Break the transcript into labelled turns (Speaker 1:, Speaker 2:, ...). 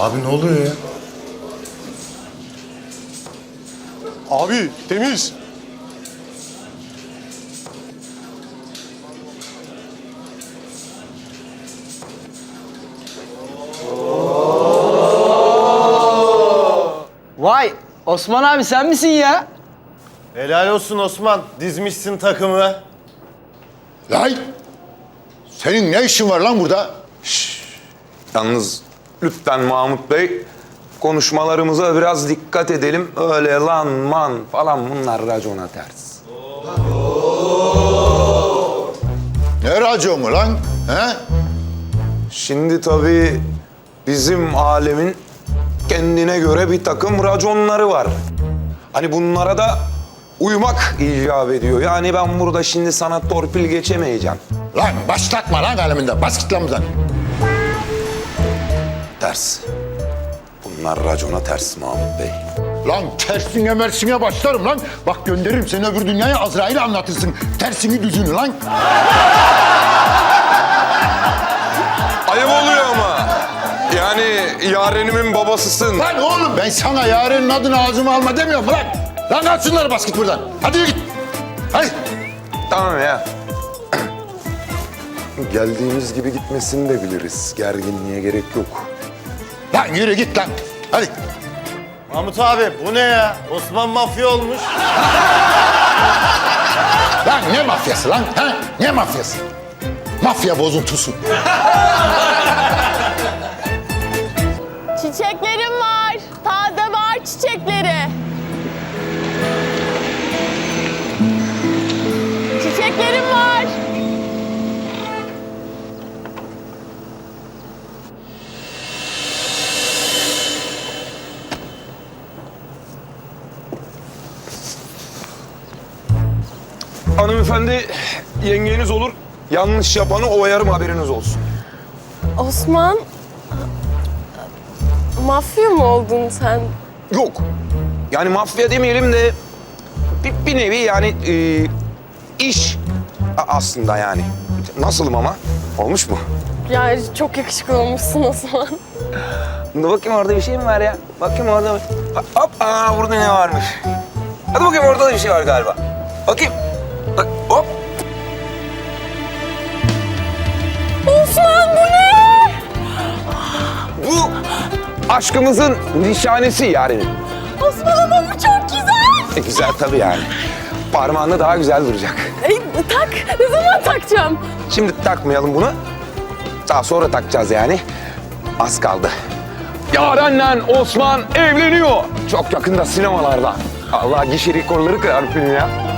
Speaker 1: Abi ne oluyor ya?
Speaker 2: Abi temiz.
Speaker 3: Vay Osman abi sen misin ya?
Speaker 4: Helal olsun Osman. Dizmişsin takımı.
Speaker 5: Lan! Senin ne işin var lan burada?
Speaker 6: Yalnız lütfen Mahmut Bey, konuşmalarımıza biraz dikkat edelim. Öyle lan man falan bunlar racona ters.
Speaker 5: Ne raconu lan? He?
Speaker 6: Şimdi tabii bizim alemin kendine göre bir takım raconları var. Hani bunlara da uymak icap ediyor. Yani ben burada şimdi sana torpil geçemeyeceğim.
Speaker 5: Lan başlatma lan aleminden. Bas git lan buradan.
Speaker 6: Ters. Bunlar racona ters Mahmut Bey.
Speaker 5: Lan tersine mersine başlarım lan. Bak gönderirim seni öbür dünyaya, Azrail'e anlatırsın. Tersini düzünü lan.
Speaker 6: Ayıp oluyor ama. Yani yarenimin babasısın.
Speaker 5: Lan oğlum ben sana yarenin adını ağzıma alma demiyorum lan. Lan at şunları, bas git buradan. Hadi yürü git. Hadi.
Speaker 6: Tamam ya. Geldiğimiz gibi gitmesini de biliriz. Gerginliğe gerek yok.
Speaker 5: Lan yürü git lan. Hadi.
Speaker 4: Mahmut abi bu ne ya? Osman mafya olmuş.
Speaker 5: Lan ne mafyası lan? Ha? Ne mafyası? Mafya bozuntusu.
Speaker 7: Çiçeklerim var. Taze var çiçekleri. Çiçeklerim var.
Speaker 6: Hanımefendi, yengeniz olur. Yanlış yapanı oyarım, haberiniz olsun.
Speaker 7: Osman, mafya mı oldun sen?
Speaker 6: Yok. Yani mafya demeyelim de bir nevi yani iş aslında yani. Nasılım ama? Olmuş mu?
Speaker 7: Yani çok yakışıklı olmuşsun Osman.
Speaker 6: Dur bakayım, orada bir şey mi var ya? Bakayım orada. Hop, burada ne varmış? Hadi bakayım, orada da bir şey var galiba. Bakayım. Bak, hop.
Speaker 7: Osman bu ne?
Speaker 6: Bu aşkımızın nişanesi yani.
Speaker 7: Osman ama bu çok güzel.
Speaker 6: Güzel tabii yani. Parmağında daha güzel duracak.
Speaker 7: Tak, ne zaman takacağım?
Speaker 6: Şimdi takmayalım bunu. Daha sonra takacağız yani. Az kaldı. Yaren'le Osman evleniyor. Çok yakında sinemalarda. Allah, gişe rekorları kırar film ya.